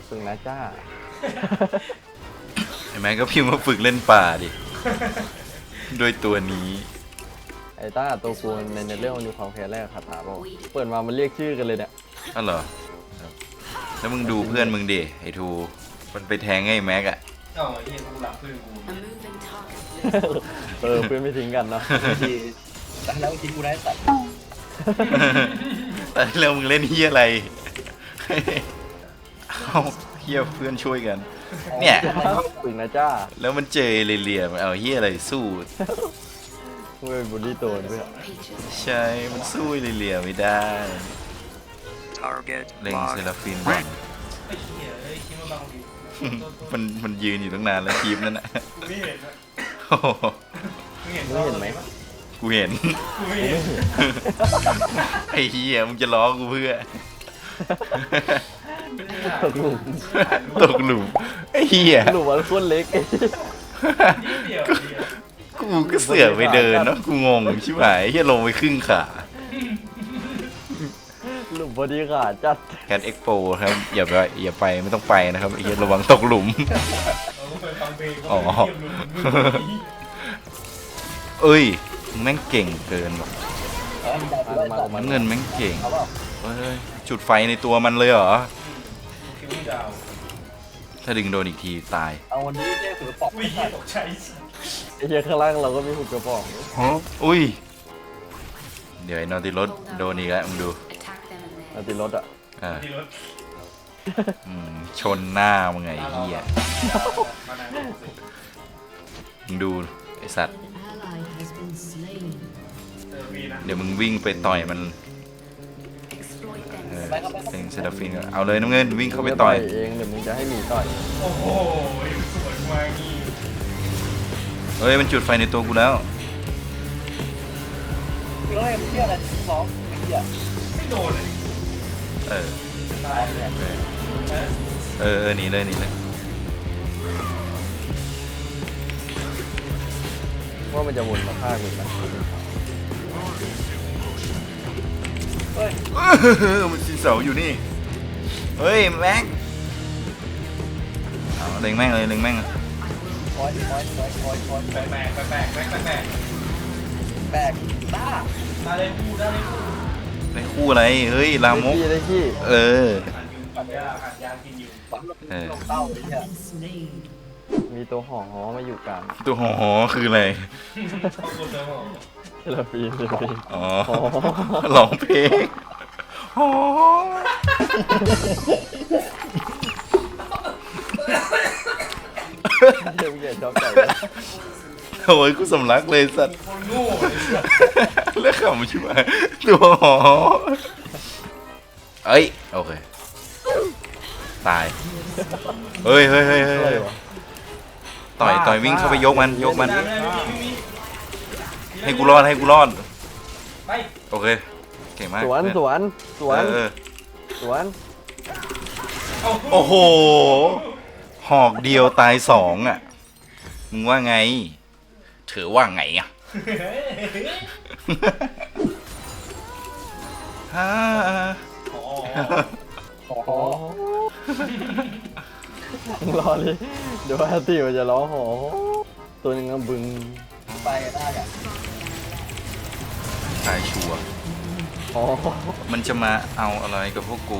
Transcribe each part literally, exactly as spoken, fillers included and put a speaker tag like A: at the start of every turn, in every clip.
A: ฝึกนะจ้า
B: เห็นไหมก็พิมพ์มาฝึกเล่นป่าดิด้วยตัวนี้
A: ไอ้ต้าตัวกูในในเรื่องมันมีความแค้นแรกคาถาบอกเปิดมามันเรียกชื่อกันเลยเนี่ย
B: อ๋อเหรอครับแล้วมึงดูเพื่อนมึงดิไอ้ทูมันไปแทงไอ้แม็กอะ
C: เอ้าไอ้เหี้ยกูหลับเพื่อนกู
A: เออเพื่อนไม่ทิ้งกันเนาะ
D: ทีแล้วทิ้งกูได้สัตว์
B: แต่แล้วมึงเล่นเฮียอะไรเอาเฮียเพื่อนช่วยกัน เนี่ย
A: ฝึกนะจ้า
B: แล้วมันเจอเหลี่ยมๆเอาเฮียอะไรสู้
A: มึงเป็นบูลลี่ตัวเพื่อน
B: ใช่ มันสู้เหลี่ยมๆไม่ได้
E: Target
B: เล็งเซ
E: locked.
B: ราฟินก่อน
C: ไอ้เหี้ยเอ้ยคิดว่าบางที
B: มันมันยืนอยู่ตั้งนานแล้วทีมนั้นนะ
C: กูไม่เห็นนะ
B: โอ้โห
C: มึงเห็น
A: มึงเห็นไหม
B: กูเห็น
C: กูไม่เห็น
B: ไอ้เฮียมึงจะล้อกูเพื่อ
A: ตกหลุม
B: ตกหลุมไอ้เฮีย
A: หลุมมันโคตรเล็ก
C: นิดเดียวเดียว
B: กูก็เสือกไปเดินเนาะกูงงชิบหายเฮียลงไปครึ่งขา
A: หลุมพอดีขาดจัด
B: แคทเอ็กโปครับอย่าไปอย่าไปไม่ต้องไปนะครับไอ้เฮียระวังตกหลุม
C: เราก็ไปฟังเพลง
B: อ๋อ
C: เขาเยี่ยมลุง
B: เอ้ยมึงแม่งเก่งเกินว่ะ
D: เออมันได้กูได้สัตว์
A: มัน
B: น้ำเงินแม่งเก่ง
D: เอาเปล่า
B: เฮ้ยจุดไฟในตัวมันเลยเหรอ
C: คิวดาว
B: ถ้าดึงโดนอีกทีตาย
D: เอาวันนี้เนี่ยถือปอก
C: อุ้ยเหี้ยตกใจ
A: ไอ้เหี้ยข้างล่างเราก็มีหุบกระป๋อง
B: อุ้ยเดี๋ยวไอ้นอติรถโดนอีกแล้วมึงดู
A: นาติรถอ่ะ
B: อ่า
C: ที่รถ
B: อืมชนหน้ามึงไงไอ้เฮีย
C: มานาน
B: มึงดูไอสัตว์
F: Ally has been slain.
C: เออวีนะ
B: เดี๋ยวมึงวิ่งไปต่อยมันเออเซ็งเซราฟินก่อนเอาเลยน้ำเงินวิ่งเข้าไปต่อย
A: มึงจะเองเดี๋ยวมึงจะให้หมีต่อย
C: โอ้โหสวยมากนี่
B: เฮ้ยมันจุดไฟในตัวกูแล้ว
D: เฮ้ยมันเชื่ออะไรสองไอ้เหี้ย
C: ไม่โดนเลย
B: เออ
C: ตายเลย
B: เออเออเออหนีเลยหนีเลย
A: ว่ามันจะวนมาฆ่ากูนะ
D: เฮ้ย
B: เออมันสีเสาอยู่นี่เฮ้ยแม็กเอาเล็งแม่งเลยเล็งแม่งเลย
D: คอยคอยคอยคอยคอย
C: แปลกแปลกแปลกแปลกแปลกแปลก
D: แบกบ้า
C: ได้เลยคู่ได้เลยคู่
B: ได้คู่อะไรเฮ้ยลามก
A: ได้ขี้ได้ขี้
B: เออ
C: ขันอยู่ขันยาขันยากินอยู่
D: ฝังลง
B: เออ
D: ลงเต้าไอ้เหี้ย
F: Been slain.
A: มีตัวห่อหอมาอยู่กลาง
B: ตัวหอหอคืออะไร
C: ขอบคุณเจ้าหมอ
A: เซลฟีนเซลฟีน
B: อ๋อ
A: อ๋อ
B: ร้องเพลงหอ
A: เดี๋ยวมึงอย่าชอบใจ
B: โอ้ยกูสำลักเลยสัตว์
C: คนโง่เลยสัส
B: แล้วขำชิบหายตัวหอเอ้ยโอเคตายเฮ้ยเฮ้ยเฮ้ยเฮ้ย
A: อะไร
B: เฮ้ยว
A: ะ
B: ต่อยต่อยวิ่งเข้าไปยกมันยกมัน
C: ไม่ได้ไม่มีไม่มี
B: ให้กูรอดให้กูรอด
C: ไป
B: โอเคเก่งมาก
A: สวนสวนสวน
B: เออ
A: สวน
B: โอ้โหหอกเดียวตายสองอ่ะมึงว่าไงเธอว่าไงอ่ะฮ่า
C: อ๋อ
D: ขอ
A: อ๋อมึงรอเลยเดี๋ยวอาติมันจะร้องหอตัวหนึงก็บึง
D: ไปได้อะ
B: ตายชัวร์
A: อ๋อ
B: มันจะมาเอาอะไรกับพวกกู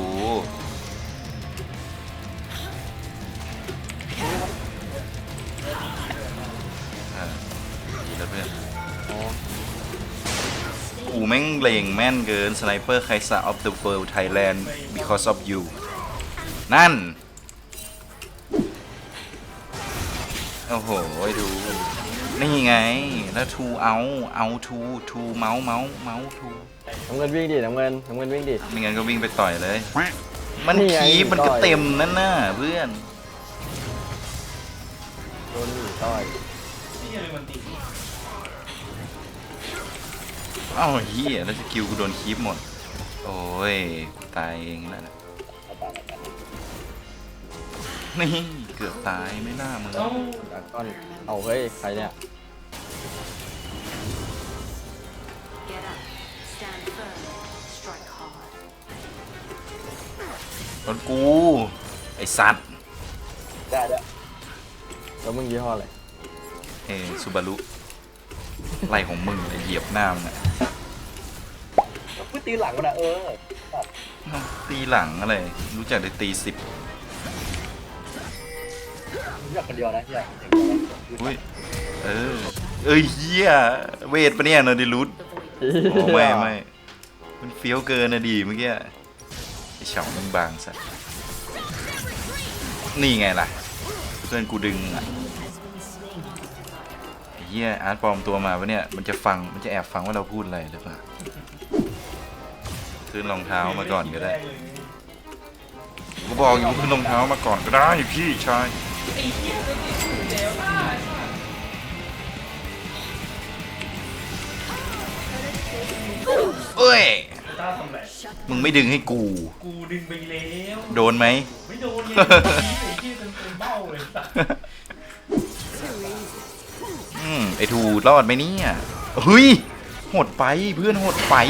B: อ่าดีแล้วเพื่อน
A: อ๋อ
B: กูแม่งเลงแม่นเกินสไนเปอร์ไคซ่า of the world Thailand because of you นั่น โอ้โหดู นี่ไง แล้วทูเอาเอาทูทูเมาส์เมาส์เมาส์ทู
A: น้ำเงินวิ่งดิน้ำเงินน้ำเงินวิ่งดิ
B: ไม่งั้นก็วิ่งไปต่อยเลย มัน
A: นี่ไง
B: คีบมันก็
A: ต่อย
B: เต็มนั่นน่ะเพื่อน
A: โดนหนีต่อย
C: นี่ยังมันตี
B: อ้าวเฮียแล้วสกิลกูโดนคีบหมด โอ้ยกูตายเองแล้วนะนี่เกือบตายไม่น่ามึง
C: เอ้า
A: ดักก้อนเอาเฮ้ยใครเนี่ย
G: Get up, stand firm, strike hard.
B: รถกูไอ้สัตว์
D: ได้ได้
A: แล้วมึงยี่ห้ออะไร
B: เอ้ซูบารุไรของมึงไอ้เหยียบหน้ามึงอะ
D: พูดตีหลังมันอะเออ
B: ตีหลังอะไรรู้จักได้ตีสิบ
D: รู้จักคนเดียวนะที่อยากเห็น
B: อุ้ยเออเอ้ยเฮียเวทปะเนี่ยเนอร์ดิลุสโอ้ไม่ไม่มันเฟี้ยวเกินนะดีเมื่อกี้ไอ้เฉามันบางสัสนี่ไงล่ะเพื่อนกูดึงอ่ะไอ้เฮียอาร์ตปลอมตัวมาปะเนี่ยมันจะฟังมันจะแอบฟังว่าเราพูดอะไรหรือเปล่าขึ้นรองเท้ามาก่อนก็ได้กูบอกอยู่ขึ้นรองเท้ามาก่อนก็ได้พี่ชาย
C: ไอ้เหี้ยไม่ติดอยู่แล้วได้
B: เอ้ย
C: ต้าทำไร
B: มึงไม่ดึงให้กู
C: กูดึงไปแล้ว
B: โดนไหม
C: ไม่โดนไงไอ้เหี้ยเป็นเป็นเบ้าเลยสัส
B: อืมไอทูรอดไหมเนี่ยเฮ้ยหดไปเพื่อนหดไป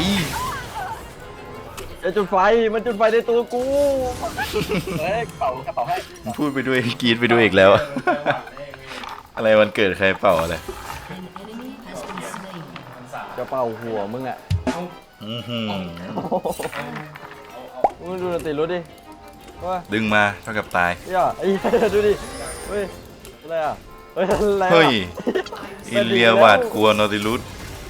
A: ไอ้จุดไฟมันจุดไฟในตัวกู
D: เฮ้ยเป่ากระเป๋าให้
B: มึงพูดไปด้วยกรีดไปด้วยอีกแล้ว อะไรวันเกิดใครเป่าอะไร
F: An enemy has been slain.
C: มันสา
A: จะเป่าหัวมึงอ่ะ
C: เอา
B: อื้อหือ
C: เอาเอา
A: มึงดูดนตรีรู้ดิว่า
B: ดึงมาเท่ากับตาย
A: เฮ้ยไอ้เหี้ยดูดิเฮ้ยอะไรอ่ะเฮ้ยอะไรอ่ะ
B: เฮ้ยอินเลียหวาดกลัวนอติลุส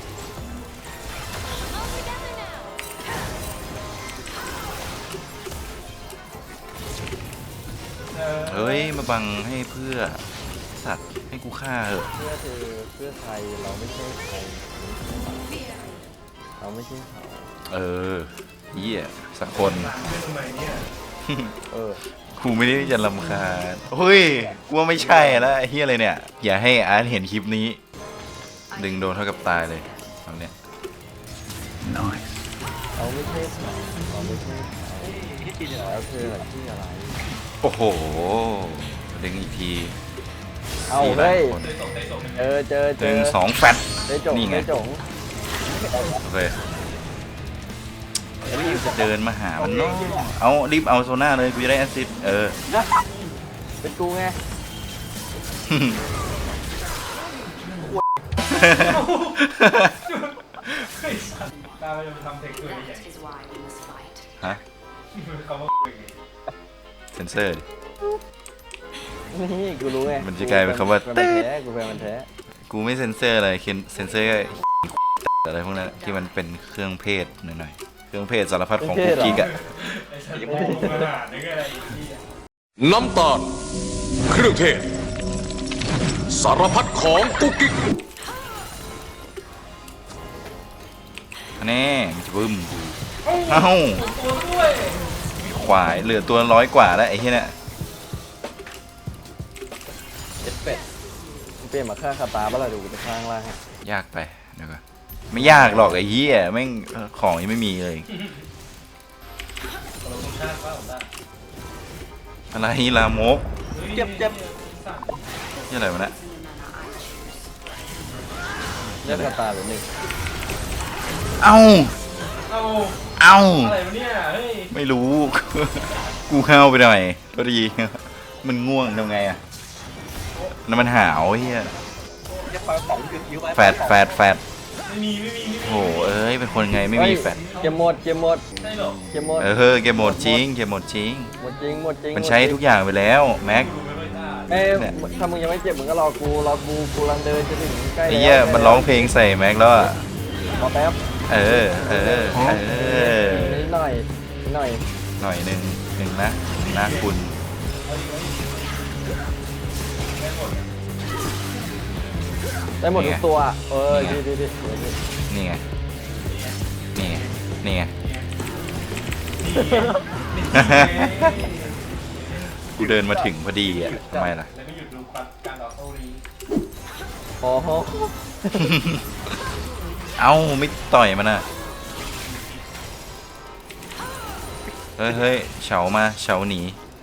C: เออ
B: เฮ้ยมาบังให้เพื่อสัตว์ให้กูฆ่าเหอะ
A: เพื่อเธอเพื่อไทยเราไม่ใช่ใครเราไม่ใช่เขา
B: เออเหี้ยสักคน
C: เรื่องทำไมเนี่ย
A: เออ
B: กูไม่ได้จะรำคาญเฮ้ยกูว่าไม่ใช่แล้วไอ้เหี้ยอะไรเนี่ยอย่าให้อาร์ตเห็นคลิปนี้ ดึงโดนเท่ากับตายเลยทำเนี้ย
A: เราไม่ใช่เขาเราไม่ใช่เขา
D: ที่ตีเนี่ย
A: แล้วเธอที่อะไร
B: โอ้โหดึงอีกที
A: เอา
B: สี่หลา
A: เฮ้ย
B: คน
C: ได้ส่งได้ส่ง
A: เจอเจอ
B: ห
A: เจ
B: นึ่
A: อง
B: สองแฟต
A: ได้จง
B: นี่ไง
A: ได้จง
B: โอเครีบจะเดินมาหามันเนาะเอารีบเอาโซน่าเลยกูจะได้แอสซิสต์เออ
A: เป็นกูไง
C: เฮ้ยสัสตาเราจะทำเทคด้วยใหญ่
G: That is why we must fight.
B: ฮะ
C: คำว่า
B: เซนเซอร์ดิ
A: นี่กูรู้ไง
B: มันจะกลายเป็นคำว่า
A: กูเป็นมันแท้กูเป็นมันแท้
B: กูไม่เซนเซอร์อะไรเคนเซนเซอร์อะไรพวกนั้นที่มันเป็นเครื่องเพศหน่อยๆเครื่องเพศสารพัดของคุกกิ๊กอะ
C: ไอ้สัสโมงอาหารนี่ก็อะไรอีกที่
H: น้ำตาล เครื่องเทศ สารพัดของกุ๊กกิ๊ก
B: แน่มันจะบึ้มกูเอ้า
C: ตัวด้วย
B: ควายเหลือตัวร้อยกว่าแล้วไอ้เหี้ยเนี่ย
A: เจ็ดเป็ดมึงเปลี่ยนมาฆ่าคาตาบ้าล่ะดูกูจะข้างล่างให้
B: ยากไปเดี๋ยวก่อนไม่ยากหรอกไอ้เหี้ยแม่งเออของยังไม่มีเลย
C: เราต้องชาติป้าของตา
B: อะไรลามก
C: เจ็บเจ็บสั่น
B: นี่อะไรวะเนะ
A: เลือกคาตาหรือหนึ่ง
B: เอ้า
C: เอา
B: เอ้า
C: อะไรวะเนี่ยเฮ้ย
B: ไม่รู้ กูเข้าไปหน่อยก็ดี มันง่วงทำไงอะแล้วมันหาวเฮีย
D: จะปล่อยของคือคิ้วไป
B: แฟดแฟดแฟด
C: ไม่มีไม่มีไม่มี
B: โอ้โหเอ้ยเป็นคนไงไม่มีแฟด
A: เกมหมดเกมหมด
C: ใช่หรอ
A: เกมหมด
B: เออเฮอเกมหมดจริงเกมหมดจริง
A: หมดจริงหมดจริง
B: มันใช้ทุกอย่างไปแล้วแม็ก
C: ดูไม่ค่อยตา
A: เอ้ย
B: เนี่ย
A: ถ้ามึงยังไม่เจ็บมึงก็รอกูรอกูกูกำลังเดินจะถึงใกล้
B: ไอ้เหี้ยมันร้องเพลงใส่แม็กแล้วอะ
A: รอแป๊บ
B: เออเออเออ
A: นิดหน่อยนิดหน่อย
B: หน่อยหนึ่งหนึ่งนะหนึ่งนะคุณ
A: ได้หมดทุกตัวเออดีดีดีดีดี
B: นี่ไงนี่ไงนี่ไง กูเดินมาถึงพอดีอ่ะทำไมล่ะ
C: แล้วก็หยุดดูการต่อสู้นี้
A: โอ้โห
B: เอ้าไม่ต่อยมันอ่ะเฮ้ยเฮ้ยเฉามาเฉาหนี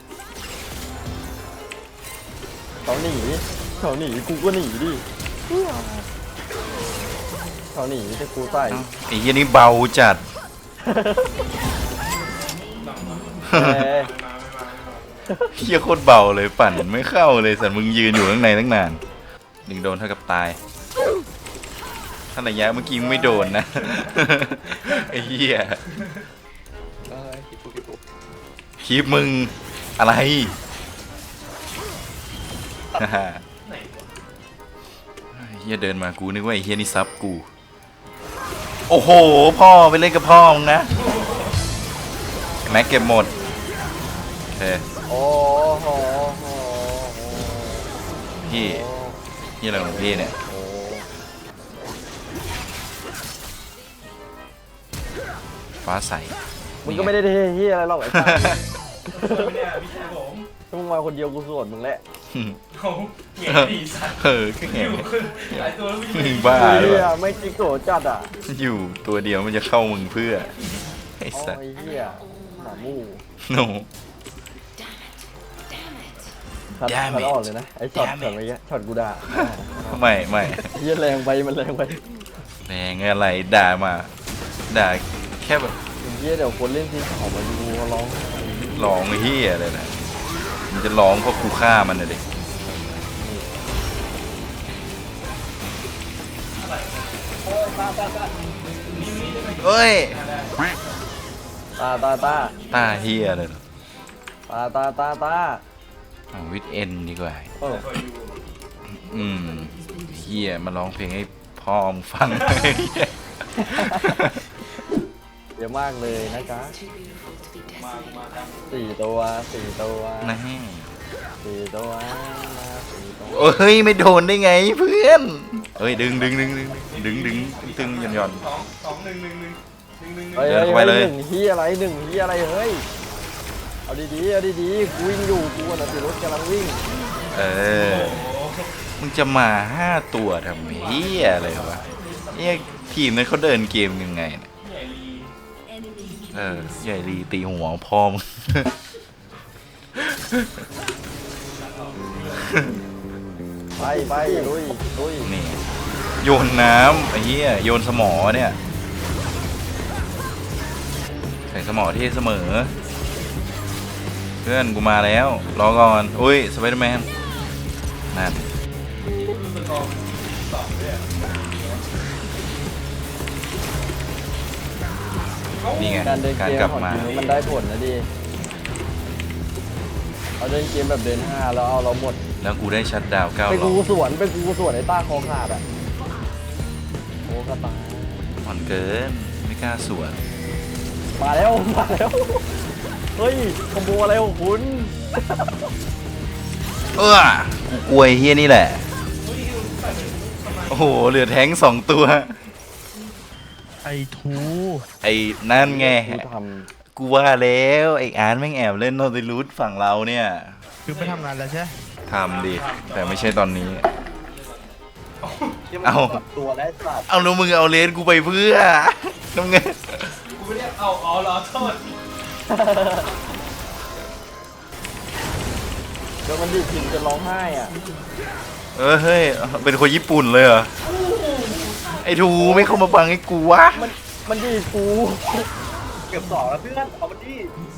A: เขาหนีเขาหนีกูก็หนีดิเขาหนีแต่กูใส่
B: เอ้าไอ้เหี้ยนี่เบาจัด
A: เอ้ย
C: มาไม่มาไม่มา
B: เฮียโคตรเบาเลยปั่นไม่เข้าเลยสัตว์มึงยืนอยู่ข้างในตั้งนานหนึ่งโดนเท่ากับตายถ้าระยะเมื่อกี้มึงไม่โดนนะ ไอ้เหี้ย
D: เออคิดปุ๊บคิดปุ๊บ
B: คลิปมึงอะไร
C: ไหนวะ
B: เฮียเดินมากูนึกว่าไอ้เฮียนี่ซับกูโอ้โหพ่อไปเล่นกับพ่อมึงนะแม็กเก็บหมดโอเค
A: โอ้โห
B: พี่พี่อะไรของพี่เนี่ย
A: โอ้
B: ฟ้าใส
A: มึงก็ไม่ได้เท่เฮียอะไรหรอกไอ้สัส
C: เปิดไม่ได้พี่ชายผม
A: ถ้ามึงมาคนเดียวกูสวนมึงแหละ
C: เขาเหงียดีสัตว์
B: เออก็
C: อ
B: แง่
C: ยู่หลายตัวแล้วพี่
B: มึงบ้าหรือ
A: เฮี
B: เป
A: ย
B: ล่า
A: ไม่กิ๊กโกรธจัดอ่ะ
B: อยู่ตัวเดียวมันจะเข้ามึงเพื่อไอ้
A: โอ้
B: สัส
A: ยเฮียหมาหมู่
B: โน
A: คัด
B: Damn
A: คัด
B: it
A: ออกเลยนะไอ้ช็อต
B: Damn it
A: ช็อตเมื่อกี้ช็อตกูด่า
B: ไม่ไม่
A: เฮียแรงไปมันแรงไป
B: แรงอะไรด่ามาด่าแค่แบบ
A: เฮียเดี๋ยวคนเล่นทีมขอมาดูเขาร้อง
B: ร้องเฮียอะไรนะมันจะร้องเพราะกูฆ่ามันนะเด็ก
D: โอ้ยตาตาตา
B: เอ้ย
A: ตาตาตา
B: ตาเฮียเลยเหรอ
A: ตาตาตาตา
B: เอาวิดเอ็นดีกว่า
A: เออ
C: คอยดู
B: อืมเฮียมาร้องเพลงให้พ่อมึงฟัง
A: เยอะมากเลยนะจ๊ะ
C: มามาครับ
A: สี่ตัวสี่ตัว
B: นะ
A: สี่ตัวมาสี่ตัว
B: โอ้ยไม่โดนได้ไงเพื่อนเอ้ยดึงดึงดึงดึงดึงดึงดึงหย่อนหย่อน
C: สองสองหนึ่งหนึ่งหนึ่งหนึ่งหนึ่งหนึ่ง
A: เฮ้ย
B: เดิ
A: เฮ้
B: น
A: ย
B: เข้าไปเลย
A: หนึ่งเฮียอะไรหนึ่งเฮียอะไรเฮ้ยเอาดีๆเอาดีๆกูวิ่งอยู่กูน่ะติรถกำลังวิ่ง
B: เออมึงจะมาห้าตัวทำเฮียอะไรวะเนี่ยทีมนั้นเขาเดินเกมยังไงเนี่ย
C: ใหญ่ลี
B: เออใหญ่ลีตีหัวพ่อมึง
A: ไปไปลุยลุย
B: นี่โยนน้ำไอ้เหี้ยโยนสมอเนี่ยใส่สมอที่เสมอ เพื่อนกูมาแล้วรอก่อนอุ้ยสไปเดอร์แมนนั่น
C: ดูสกอร์สองด้วยอะ
B: นี่ไง
A: การเดิน
B: การ
A: เกม
B: กลับ
A: ของ
B: มา
A: ทีมมันได้ผลนะดิเอาเดินเกมแบบเดินห้าแล้วเอาเราหมด
B: แล้วกูได้ชัดดาวน์เก้า
A: ไป
B: หลอ
A: กู
B: ก
A: สวนไปกูสวนไอ้ต้าคอขาดอ่ะโอ้กระตาย
B: อ่อนเกินไม่กล้าสวน
A: มาแล้วมาแล้วเฮ้ยคอมโบอะไรของคุณ
B: เออกูกลัวไอ้เฮียนี่แหละโอ้โหเหลือแท้งสองตัว
I: ไอทู
B: ไอ้นั่นไง
A: กูท
B: กูว่าแล้วไอ้อาร์ตแม่งแอบเล่นโนติลูดฝั่งเราเนี่ย
I: คือไปทำงานแล้วใช่ไหม
B: ทำดิแต่ไม่ใช่ตอนนี้
D: ที่มัน
B: เอา
D: ปรับตัวและสัตว์
B: เอาแล้วมึงเอาเลนกูไปเพื่อน้ำเงิน
C: กูไม่ได้เอาอ๋อเหรอโทษ
A: ำเดี๋ยวมันดีดพิมจะร้องไห้อ่ะ
B: เออเฮ้ยเป็นคนญี่ปุ่นเลยเหรอไอ้ทูไม่เข้ามาบังให้กูวะ
A: มันมันดีดกู
D: เก็บสองแล้วเพื่อนเอามันดิ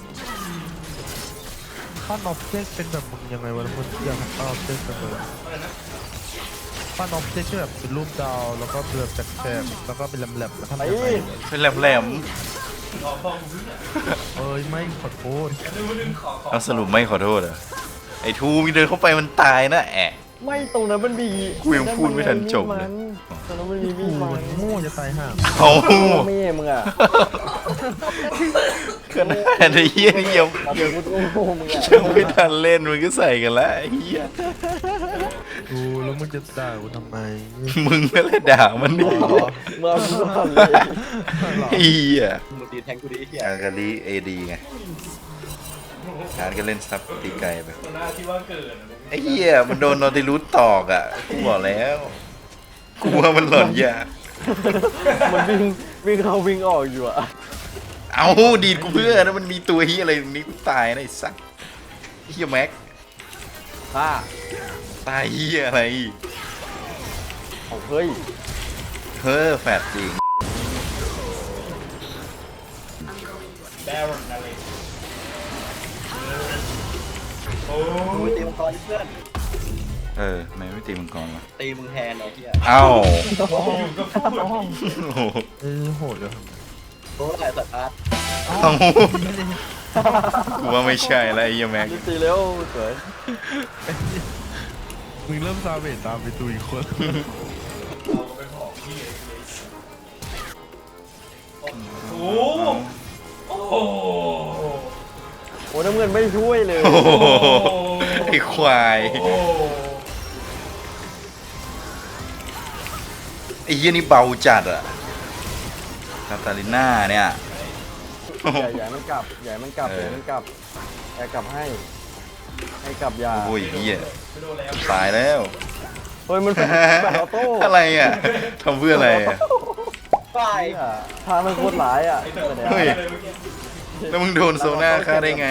I: ป้านอฟเซ็กเป็นแบบมึงยังไงวะมึงอยากให้ป้านอฟเซ็กเป็นแบบ
C: อะไรนะ
I: ป้านอฟเซ็กที่แบบเป็นรูปดาวแล้วก็เป็นแบบแฉกๆแล้วก็เป็นแหลมๆแล้วทำ
A: ไป
I: ยังไง
B: เป็นแหลม
C: ขอพ่อกูเพื่อน
I: เอ้ยไม่ขอโทษ
C: ดูนึงขอขอ
B: ๆเอาสรุปไม่ขอโทษเหรอไอ้ทูมีเดินเข้าไปมันตายนะแอะ
A: ไม่ตรงนั้นมันมี
B: กูยังพูดไม่ทันจบเลย
A: ตรงนั้นมันมีมี
I: กู
A: ดมั
I: มัน นโง่จะตายห่า
B: เอา
A: แม่มึงอ่ะ
B: ขนาดไอ้เหี้ยนี่ยัง
A: เอาเดี๋ยวกูโง่มึงอ่ะ
B: ยังไม่ทันเล่นมันก็ใส่กันแล้วไอ้เหี้ย
I: กูแล้วมึงจะด่ากูทำไม
B: มึงนั่นแหละด่ามันดิ
A: เมื่อกูทำเลย
B: ไอ้เหี้ย
D: มึงตีแทงกูดิไอ้เหี้ย
B: อากาลีเอดีไงงานก็เล่นซับตีไกลไป
C: ตัวหน้าที่ว่าเกิดอะ
B: ไอ้เหี้ยมันโดนนอติรูทตอกอ่ะกูบอกแล้วกูว่ามันหล่อนยา
A: มันวิ่งวิ่งเข้าวิ่งออกอยู่อ่ะ
B: เอาดีดกูเพื่อนะมันมีตัวเหี้ยอะไรตรงนี้กูตายนะไอ้สัสเหี้ยแม็ก
A: ฮ่า
B: ตายเหี้ยอะไร
A: เอาเฮ้ย
B: เฮ้อแฟดจริง
C: แบรอนอะไร
D: มึงไปตีมังกรดิเพื่อน
B: เออทำไมไม่ตีมังกรวะ
D: ตีมึงแทนไอ้เหี้ย
B: เอ้า
C: อยู่ก็พูด
B: โอ้โห
I: เออโหดเลย
D: โอ้ยสัตว์อาร์ต
B: เอ้ากูว่าไม่ใช่แล้วไอ้เหี้ยแม็ก
A: รีบตีเร็วสวย
I: มึงเริ่มซาเวตตามไปตุยคน
C: เราไปหอกพี่เลยโอ้โหโอ้โห
A: โอ้น้ำเงินไม่ช่วยเลย
B: โอ้โหไอ้ควาย
C: โอ้
B: ไอ้เหี้ยนี่เบาจัดอะคาตาลิน่าเนี่ย
A: ใหญ่ใหญ่มันกลับใหญ่มันกลับ
B: เอ
A: ให
B: อ
A: ญ่มันกลับใหญ่กลับให้ ให้กลับยา
B: โอ้ยเหี้ย
C: ไม่โดนแล้ว
B: ตายแล้ว
A: เฮ้ยมันเป็นแบบออโต้
B: อะไรอ่ะทำเพื่ออะไรอ่ะ
D: ไป
A: อ่ะทางมันโคตรหลายอ่ะ
C: ไอ้ตัว
A: แต่
B: เฮ้ย
C: เลยเมื่อกี้
B: แล้วมึงโดนโซน่าฆ่าได้ไง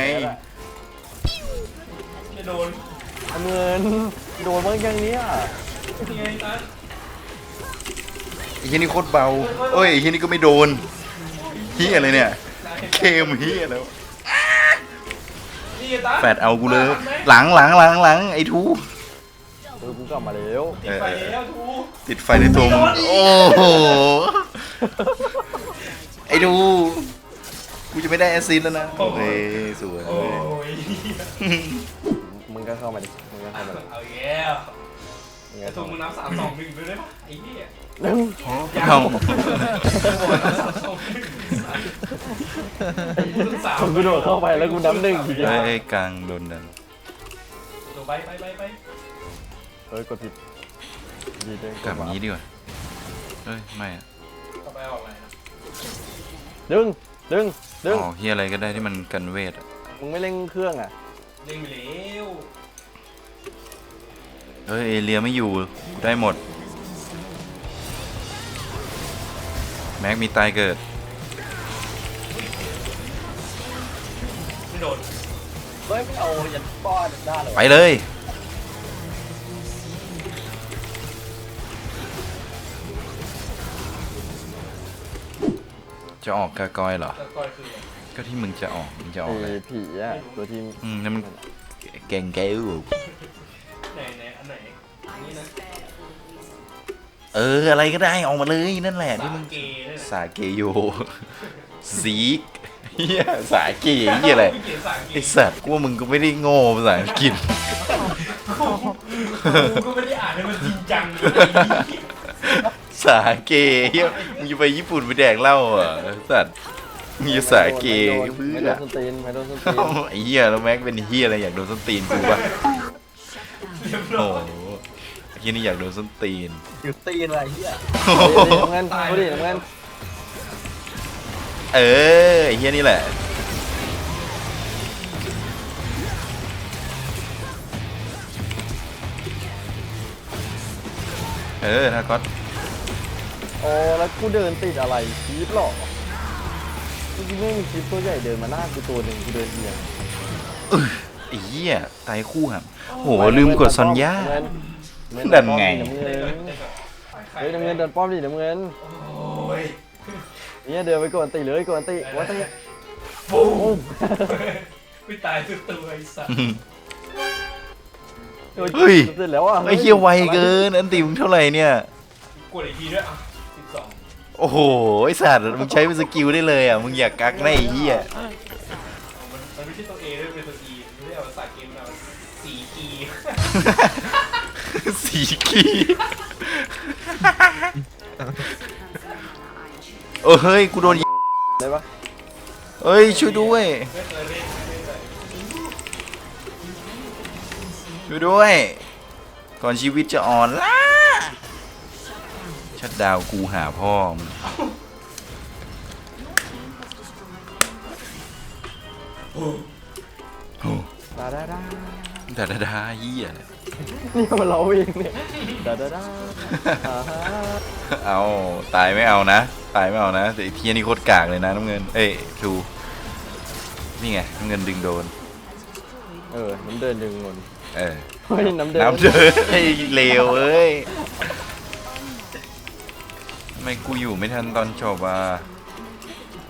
C: จะโดน
A: น้ำเงินโดนบ้างยังเนี้ย
C: ยังไงตัน
B: ไอ้เหี้ยนี่โคตรเบาเอ้ยไอ้เหี้ยนี่ก็ไม่โดนเหี้ยอะไรเนี่ยเคมเหี้ยแล้ว
C: นี่ตัน
B: แฟดเอากูเลย หลังหลังหลังหลังไอ้ทู
A: เออกูกลับมาแล้ว
C: ติดไฟแล้วทู
B: ติดไฟในตัวมึงโอ้โหไอ้ทูกูจะไม่ได้แอสซิสต์แล้วนะโอเคสวย
C: โอ้ย
A: มึงก็เข้ามาดิมึงก็เข้ามาดิ
C: เอาแย่
A: มึง
C: ไอ้
A: ก็
C: ทู
A: เข้า
C: มึง
A: มา
C: นับสามสองหนึ่งไปได้ปะไอ้เหี้ย
A: หนึ่ง
B: เอา
A: ผมกูโดดเข้าไปแล้วกูน้ำหนึ่งทีเดียว
B: ไอ้กลางโดนดัน
C: ไปไปไปไป
A: เฮ้ยกดผิดดีเลย
B: กลับอย่างนี้ดีกว่าเอ้ยไม่อะ
C: ต่อไปออกอะไรนะ
A: ดึงดึงดึง
B: อ๋อเฮียอะไรก็ได้ที่มันกันเวทอะ
A: มึงไม่เร่งเครื่องอ่ะ
C: เล่นไปแล้ว
B: เฮ้ยเอเลียไม่อยู่กูได้หมดแม็กมีตายเกิด
C: ไม่โดน
D: เฮ้ยไม่เอายันป้อนได้เลยวะ
B: ไปเลยจะออกกากอยเหรอ
C: แต่ก้อยคือ
B: ก็ที่มึงจะออกมึงจะออก
A: ไอ้
B: เลย
A: ผีอ่ะตัวทีม
B: อืมนั่นมันเก่งแก้ว
C: ไหนไหนอันไหนนี่นะ
B: เอออะไรก็ได้ออกมาเลยนั่นแหละที่มึง
C: เกย์เนี่ย
B: สาเกโยซีกเฮียสาเกเฮียอะไร
C: เกย์สายเก
B: ไอ
C: ย์
B: สัตว์กูว่ามึงก็ไม่ได้โง่ภาษาอังกฤษ
C: กูก็ไม่ได้อ่านให้มันจริงจังเลย
B: สาเกเฮียมึงจะไปญี่ปุ่นไปแดกเหล้าเหรอ่ะสัตว์มึงจะสาเกเพื่
A: ไม่
B: อ
A: โดนส้นตีนไม่โดนส้นตีน
B: เอ้าไอ้เฮียแล้วแม็กเป็นเฮียอะไรอยากโดนส้นตีนกูปะโอ้โหไอ้เฮียนี่อยากโดนส้นตีน
D: อยู่ตีนอะไรเหี้ย
B: โอ้โห
A: น้ำเงินดูดิน้ำเงิน
B: เออไอ้เฮียนี่แหละเออถ้าก็
A: โอ้แล้วกูเดินติดอะไรคลิปหรอจริงๆไม่มีคลิปตัวใหญ่เดินมาหน้ากูตัวหนึ่งกูเดินเอียง
B: ไอ้เหี้ยตายคู่ครับโหลืมกดซอนย่า
A: น้ำเงิน
B: ดันไง
A: น้ำเงินเฮ้ยน้ำเงินเดินป้อมดิน้ำเงิน
C: โอ้ย
A: เนี่ยเดินไปกดตีเลยกดตีว่าตี
C: ฟูไม่ตายทุกตัวไอ้สัส
B: เฮ้ย
A: เสร็จแล้วอ่ะ
B: ไอ้เหี้ยไวเกินอันตีมึงเท่าไหร่เนี่ย
C: กดอีกทีด้วยอ่ะสิบสอง
B: โอ้โหไอ้สัตว์มึงใช้เป็นสกิลได้เลยอ่ะมึงอยากกักได้ไอ้เหี้ย
C: มันมันไม่ใช่ตัว A ด้วยเป็นตัว E ไม่ได้เอาภาษาเกมเอาสี่กี
B: สีกีเออเฮ้ยกูโดนยิง
A: ได้ปะ
B: เอ้ยช่วยด้วย
C: ไม่เคยเล่นไม่เคย
B: ช่วยด้วยก่อนชีวิตจะอ่อนล้าชัดดาวกูหาพ่อมึง
A: ดาดาดา
B: ดาดาดาเหี้ย
A: นี่มันเราเองเนี่ยดาดาดาอ่าฮะ
B: เอาตายไม่เอานะตายไม่เอานะแต่ไอ้เทียนี่โคตรกากเลยนะน้ำเงินเอ้ยทูนี่ไงน้ำเงินดึงโดน
A: เออน้ำเดินดึงเงิน
B: เออ
A: เฮ้ยน้ำเดิน
B: น้ำเดินไอ้เลวเอ้ยทำไมกูอยู่ไม่ทันตอนจบอ่ะ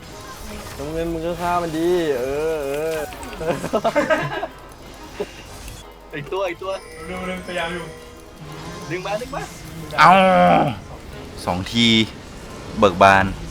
A: น้ำเงินมึงก็ฆ่ามันดีเออเออ
D: อีกตัวอีกตัว
C: เร็วเร็วพยายามอยู่
D: ดึงมาดึงมา
B: เอาสองทีเบิกบาน